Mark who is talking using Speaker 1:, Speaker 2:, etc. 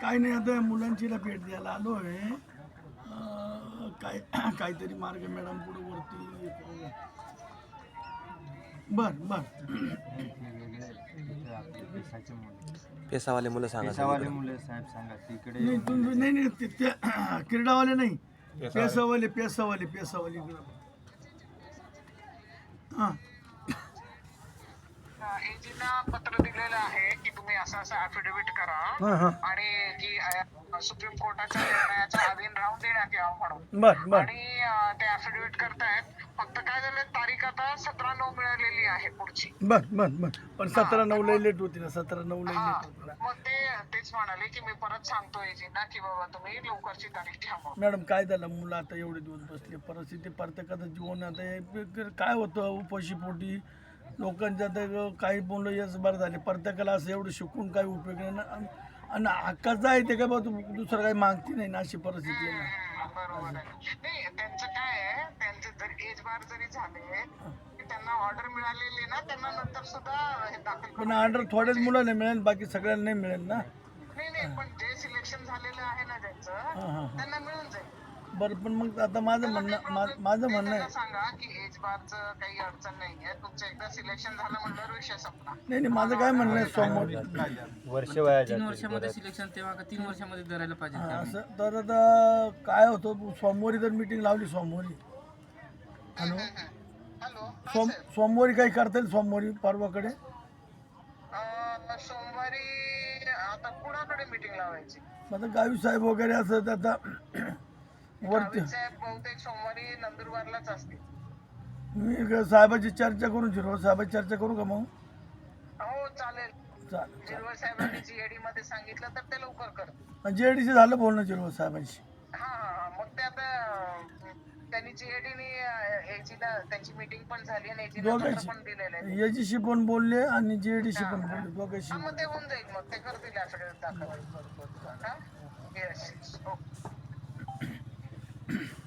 Speaker 1: काही नाही, आता मुलांचीला भेट द्यायला आलो आहे. काय काहीतरी मार्ग मॅडम पुढे वरती. बर बर.
Speaker 2: पेसावाले मुलं सांगा.
Speaker 3: पेशावाले मुलं साहेब सांगा तिकडे.
Speaker 1: नाही तुम्ही नाही नाही ते क्रीडावाले नाही, पेसावाले इकडं. हां
Speaker 4: एजीला पत्र दिलेलं आहे की तुम्ही असं ऍफिडेव्हिट करा आणि की सुप्रीम कोर्टाच्या निर्णयाच्या अधीन राहून देण्यात यावं म्हणून.
Speaker 1: बर बर
Speaker 4: आणि ते ऍफिडेव्हिट करतायत. फक्त काय झालं, तारीख आता 17/9 मिळालेली आहे पुढची.
Speaker 1: बर बर बर. पण 17/9 लई लेट होती ना, 17/9 लई
Speaker 4: हा,
Speaker 1: लेट होती ना.
Speaker 4: मग तेच म्हणाले की मी परत सांगतो एजींना की बाबा तुम्ही लवकरची तारीख घ्या म्हणून.
Speaker 1: मॅडम काय झालं, मुलं आता एवढे दिवस बसले, परिस्थिती प्रत्येकाचं जीवन आता काय होतं, उपाशी पोटी लोकांच्या आता काही मुलं यश बरं झाले, प्रत्येकाला असं एवढं शिकून काही उपयोग नाही ना. आणि हक्काचं आहे ते काय बा, दुसरं काही मागती नाही ना, अशी परिस्थिती आहे ना.
Speaker 4: बरोबर आहे. नाही त्यांचं काय आहे, त्यांचे जर एज बार जरी झाले की त्यांना ऑर्डर मिळालेली ना, त्यांना नंतर सुद्धा हे दाखल
Speaker 1: पण ऑर्डर थोड्याच मुलांना मिळेल, बाकी सगळ्यांना नाही मिळेल ना.
Speaker 4: नाही पण जे सिलेक्शन झालेलं आहे ना ज्यांचं, त्यांना मिळून जाईल.
Speaker 1: बरं, पण मग आता माझं म्हणणं आहे,
Speaker 4: सांगा की एज बारचं काही अडचण नाहीये, तुमचं एकदा सिलेक्शन झालं म्हणल्यावर विषय संपला.
Speaker 1: नाही माझं काय म्हणणं आहे, समोर
Speaker 3: वर्ष वया
Speaker 5: 3 वर्षामध्ये सिलेक्शन, तेव्हा का 3 वर्षामध्ये धरायला पाहिजे.
Speaker 1: असं तर आता काय होतं, सोमवारी जर मीटिंग लावली, सोमवारी
Speaker 4: हॅलो,
Speaker 1: सोमवारी काही करता येईल, सोमवारी परवाकडे.
Speaker 4: सोमवारी आता कुणाकडे मीटिंग लावायची?
Speaker 1: आता गावी साहेब वगैरे असं आता वरती
Speaker 4: साहेब बहुतेक सोमवारी नंदुरबारलाच असतील.
Speaker 1: मी साहेबाची चर्चा करून शिरो साहेबाची चर्चा करू का मग?
Speaker 4: हो चालेल.
Speaker 1: चालेल.
Speaker 4: जिरवळ साहेबांनी जीएडी मध्ये सांगितलं तर ते लवकर कर.
Speaker 1: जेडीसी झालं बोलणं जिरो साहेबांशी.
Speaker 4: हा मग ते आता त्यांनी जीएडीने एजीला त्यांची मीटिंग पण झाली आणि एजीला पत्र पण दिलेलं आहे.
Speaker 1: याच्याशी पण बोलले आणि जेडीसी पण बोलले, दोघांशी.
Speaker 4: मग ते होऊन जाईल, मग ते करतील ऍफिडेव्हिट दाखल. हा येस. ओके.